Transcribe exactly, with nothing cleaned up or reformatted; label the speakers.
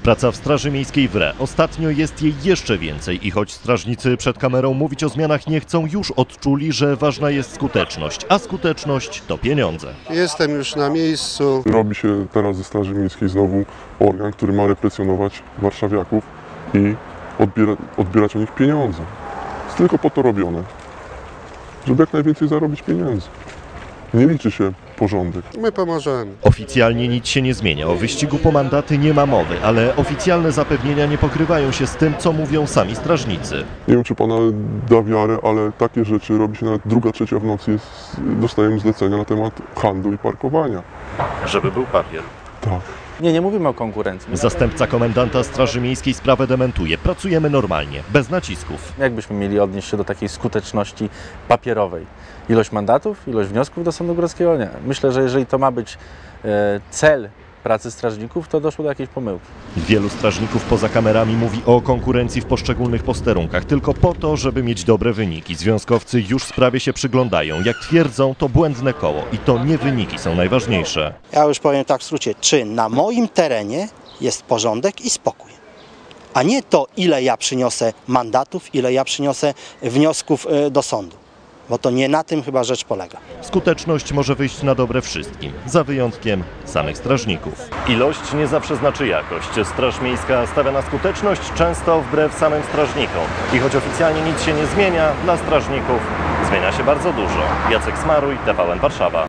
Speaker 1: Współpraca w Straży Miejskiej wre. Ostatnio jest jej jeszcze więcej i choć strażnicy przed kamerą mówić o zmianach nie chcą, już odczuli, że ważna jest skuteczność, a skuteczność to pieniądze.
Speaker 2: Jestem już na miejscu.
Speaker 3: Robi się teraz ze Straży Miejskiej znowu organ, który ma represjonować warszawiaków i odbiera, odbierać od nich pieniądze. Jest tylko po to robione, żeby jak najwięcej zarobić pieniędzy. Nie liczy się porządek.
Speaker 2: My pomożemy.
Speaker 1: Oficjalnie nic się nie zmienia. O wyścigu po mandaty nie ma mowy, ale oficjalne zapewnienia nie pokrywają się z tym, co mówią sami strażnicy.
Speaker 3: Nie wiem, czy pana da wiarę, ale takie rzeczy robi się nawet druga, trzecia w nocy. Jest, dostajemy zlecenia na temat handlu i parkowania.
Speaker 1: Żeby był papier.
Speaker 3: Tak.
Speaker 4: Nie, nie mówimy o konkurencji.
Speaker 1: Zastępca komendanta Straży Miejskiej sprawę dementuje. Pracujemy normalnie, bez nacisków.
Speaker 4: Jakbyśmy mieli odnieść się do takiej skuteczności papierowej? Ilość mandatów, ilość wniosków do Sądu Górskiego? Nie. Myślę, że jeżeli to ma być e, cel pracy strażników, to doszło do jakiejś pomyłki.
Speaker 1: Wielu strażników poza kamerami mówi o konkurencji w poszczególnych posterunkach, tylko po to, żeby mieć dobre wyniki. Związkowcy już sprawie się przyglądają. Jak twierdzą, to błędne koło i to nie wyniki są najważniejsze.
Speaker 5: Ja już powiem tak w skrócie, czy na moim terenie jest porządek i spokój, a nie to, ile ja przyniosę mandatów, ile ja przyniosę wniosków do sądu. Bo to nie na tym chyba rzecz polega.
Speaker 1: Skuteczność może wyjść na dobre wszystkim, za wyjątkiem samych strażników. Ilość nie zawsze znaczy jakość. Straż Miejska stawia na skuteczność, często wbrew samym strażnikom. I choć oficjalnie nic się nie zmienia, dla strażników zmienia się bardzo dużo. Jacek Smaruj, T V N Warszawa.